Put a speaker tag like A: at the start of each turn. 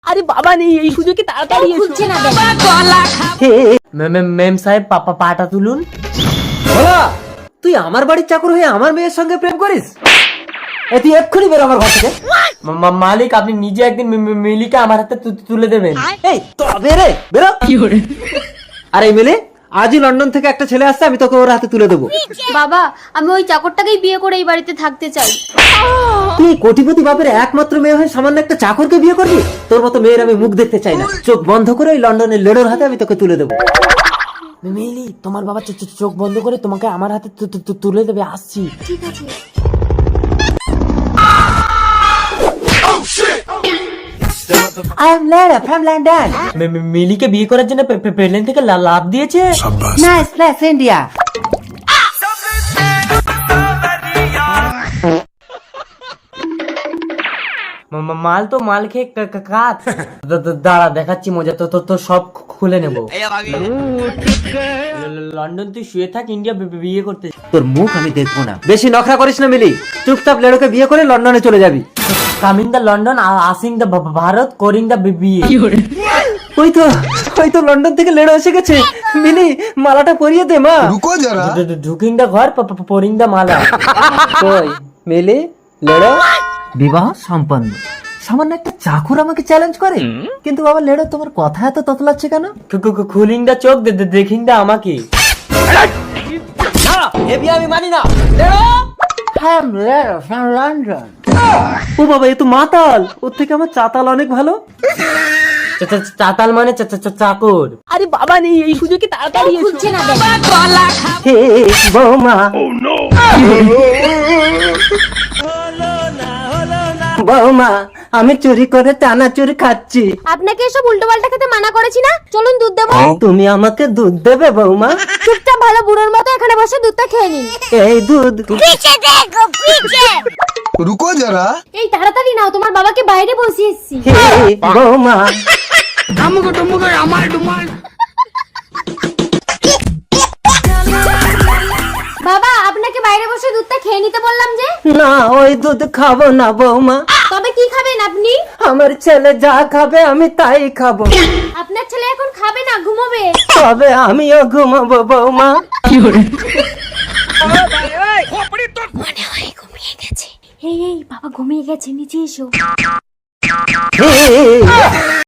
A: আরে বাবা নেই, এই সুযোগে তাড়াতাড়ি
B: খুলছে না
A: মেম সাহেব পাপা পাটা তুলুন।
C: ভোলা, তুই আমার বাড়ির চাকর হয়ে আমার মেয়ের সঙ্গে প্রেম করিস? তুই এক্ষুনি বেরো আমার ঘর থেকে।
A: মালিক, আপনি নিজে একদিন মিলিকে আমার হাতে তুলে দেবেন।
C: এই তবে রে, বেরো। আরে মিলি, আজই লন্ডন থেকে একটা ছেলে আসছে, আমি তোকে ওর হাতে তুলে দেবো।
B: বাবা, আমি ওই চাকরটাকেই বিয়ে করে এই বাড়িতে থাকতে চাই।
C: তুই কোটিপতি বাপের একমাত্র মেয়ে হয়ে সামান্য একটা চাকরকে বিয়ে করবি? তোর মতো মেয়ের আমি মুখ দেখতে চাই না। চোখ বন্ধ করে ওই লন্ডনের লেডোর হাতে আমি তোকে তুলে দেবো।
A: মিলি, তোমার বাবা চোখ বন্ধ করে তোমাকে আমার হাতে তুলে দেবে। আসছি।
B: ঠিক আছে।
C: I am Lara from London.
A: মিলিকে বিয়ে করার জন্য প্লেন থেকে লাভ দিয়েছে।
C: Nice place, India.
A: মাল তো মাল খেয়ে কাত। দাঁড়া, দেখাচ্ছি মজা। তো সব খুলে নেব। লন্ডন তুই শুয়ে থাক, ইন্ডিয়া বিয়ে করতে।
C: তোর মুখ আমি দেখবো না। বেশি নখরা করিস না মিলি, চুপচাপ লেডোকে বিয়ে করে লন্ডনে চলে যাবি।
A: কামিং দা লন্ডন, আসিং দা ভারত, করিং দা বিয়ে।
C: ওই তো লন্ডন থেকে লেডো এসে গেছে। মিলি, মালাটা পরিয়ে দে মা।
A: ঢুকিং দা ঘর, পরিং দা মালা।
C: কই মিলি, লেডো বিবাহ সম্পন্ন। সামান্য একটা চাকর আমাকে চ্যালেঞ্জ করে, কিন্তু বাবা লেডো তোমার কথা এত ততলাচ্ছে কেন?
A: খুলিং দা চোখ, দেখিং দা আমাকে।
C: আমি মানি না। লন্ডন। ও বাবা, এ তো মাতাল। ওর থেকে আমার চাতাল অনেক ভালো।
A: চাতাল মানে চাকর।
D: আরে বাবা নেই, এই সুযোগে তাড়াতাড়ি
B: খুলছে না
C: হে বৌমা, বৌমা, আমি চুরি করে চানাচুর খাচ্ছি।
B: আপনাকে এসব উল্টো পাল্টা খেতে মানা করেছি না? চলুন দুধ দেবো।
C: তুমি আমাকে দুধ দেবে বৌমা?
B: চুপচাপ ভালো বুড়োর মতো এখানে বসে দুধটা খেয়ে নিন।
C: এই দুধ।
E: रुको जरा।
B: এই তাড়াতাড়ি নাও, তোমার বাবাকে বাইরে বসিয়ে এসেছি।
C: হে বৌমা,
B: বাবা, আপনাকে বাইরে বসে দুধটা খেয়ে নিতে বললাম যে।
C: না, ওই দুধ খাবো না বৌমা।
B: তবে কি খাবেন আপনি?
C: আমার ছেলে যা খাবে আমি তাই খাবো।
B: আপনার ছেলে এখন খাবে না, ঘুমোবে।
C: তবে আমিও ঘুমাবো বৌমা।
B: মনে হয় ঘুমিয়ে গেছে। এই বাবা ঘুমিয়ে গেছে, নিচে এসো।
C: হে